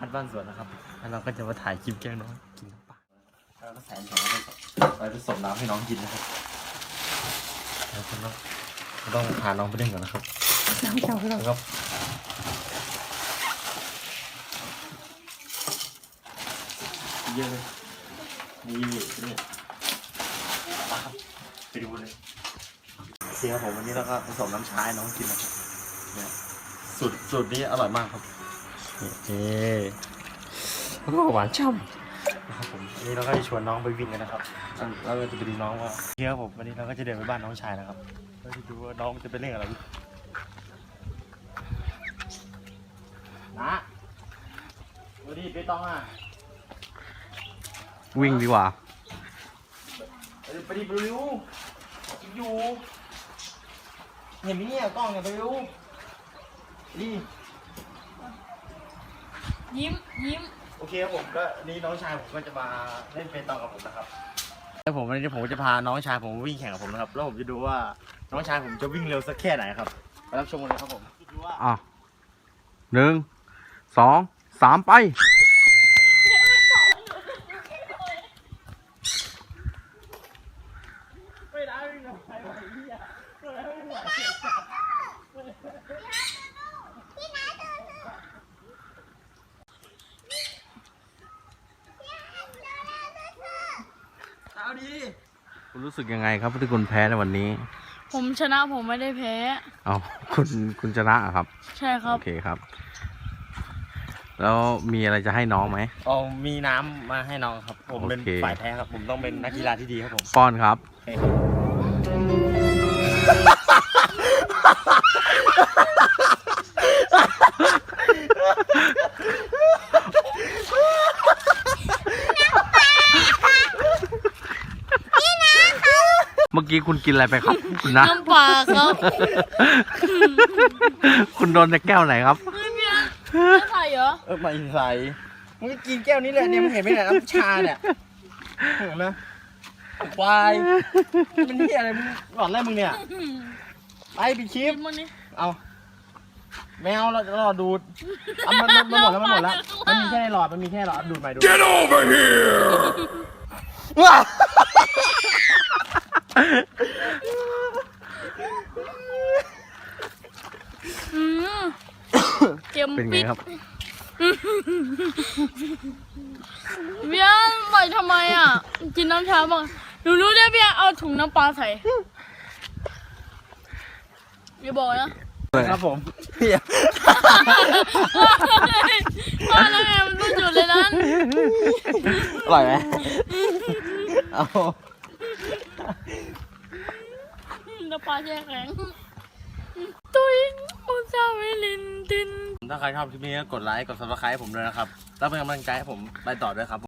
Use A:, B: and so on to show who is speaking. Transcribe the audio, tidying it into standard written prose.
A: ดบ้านสวนนะครับแล้วเราก็จะมาถ่ายคลิปแกล้งน้องกินน้ำปลาแล้วก็ใส่น้ำไปผสมน้ำให้น้องกินนะครับแล้วก็ต้องพาน้องไปเล่นก่อนนะครับน้ำเจ้าแล้วก็เยอะเลยนี่มาครับไปดูเลยเสียผมวันนี้เราก็ผสมน้ำชาให้น้องกินนะครับเนี่ยสูตรนี้อร่อยมากครับหวานช่ำนะครับผมวันนี้เราก็จะชวนน้องไปวิ่งกันนะครับเราจะไปดูน้องว่าเที่ยวผมวันนี้เราก็จะเดินไปบ้านน้องชายนะครับเราจะดูว่าน้องจะไปเล่นอะไรนะดูดิไปต้องอ่ะ
B: วิ่งดีกว่า
A: ไปดิไปดูอยู่เห็นไหมเนี่ยกล้องเนี่ยไปดูดิ
C: ยิ้ม
A: โอเคครับผมก็นี่น้องชายผมก็จะมาเล่นเปตองกับผมนะครับแล้ววันนี้ผมจะพาน้องชายผมวิ่งแข่งกับผมนะครับแล้วผมจะดูว่าน้องชายผมจะวิ่งเร็วสักแค่ไหนครับไปรับชมกันเลยครับผม
B: 1 2 3ไปคุณรู้สึกยังไงครับที่คุณแพ้ในวันนี้
C: ผมชนะผมไม่ได้แพ้
B: เอาคุณชนะครับ
C: ใช่ครับ
B: โอเคครับแล้วมีอะไรจะให้น้องไหม
A: มีน้ำมาให้น้องครับผมเป็นฝ่ายแพ้ครับผมต้องเป็นนักกีฬาที่ดีครับผม
B: ป้อนครับเมื่อกี้คุณกินอะไรไปครับคุณนะ
C: น้ำปลาครับ
B: คุณโดนในแก้วไหนครับ
C: ไม่ใส่เหรอ
A: ไม่ใส่มึงกินแก้วนี้เลยเนี่ยมึงเห็นไหมเนี่ยน้ำชาเนี่ยเห็นไหมควายมันนี่อะไรมึงหลอนอะไรมึงเนี่ยไปปิดคลิปเอาแมวเราดูดมันหมดแล้วมันมีแค่หลอดดูดใหม่ดู
B: Get over here
C: เค็ม
B: เป็นไง
C: ปิด
B: ครับ
C: เบียร์ปล่อยทำไมอ่ะกินน้ำชาบ้างหนูรู้ได้เบียร์เอาถุงน้ำปลาใส่อย่าบอกนะครับ
A: ผมพี่
C: พ่อแล้วไงมันต้องจุดเลยนั้น
A: อร่อยไหมเอา
C: น้ำปลาแช่แข็งตุ้ยอุซาเวลินติน
A: ถ้าใครชอบคลิปนี้ก็กดไลค์กด Subscribe ให้ผมด้วยนะครับแล้วเป็นกำลังใจให้ผมไปต่อด้วยครับ